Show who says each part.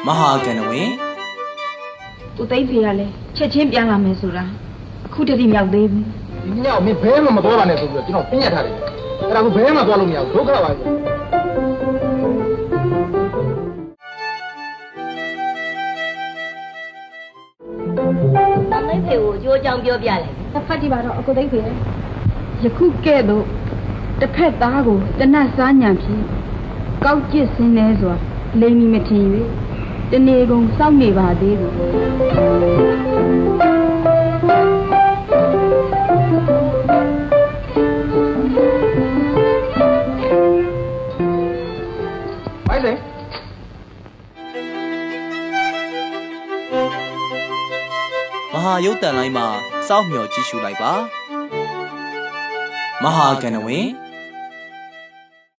Speaker 1: မဟာကဏ္ဍဝင်
Speaker 2: သူသိဖေရလဲချက်ချင်းပြန်လာမယ်ဆိုတာအခုတတိမြောက်သေးဘူး
Speaker 3: ဒီညောင်မင်းဘဲမှမသွားပါနဲ့ဆိုပြီးတော့ကျွန်တော်ပြညတ်ထားတယ်အဲ့ဒါကဘဲမှသွားလို့မရဘူးဒုက္ခပါပဲ
Speaker 4: သမီးဖေကိုကြိုးကြောင်ပြောပြလိုက်
Speaker 2: ဖတ်ကြည့်ပါတော့အကိုသိဖေယခုကဲ့သို့တစ်ဖက်သားကိုတနတ်စားညံဖြင့်ကောက်ကျစ်စင်းနေစွာလိမ်မီမထင်၍တနေကုန်စောင့်နေပါသေးသည်
Speaker 3: ဘိုင်လေ
Speaker 1: မဟာရုပ်တန်လိုင်းမှာစောင့်မျှော်ကြည့်ရှုလိုက်ပါမဟာကဏ္ဍဝင်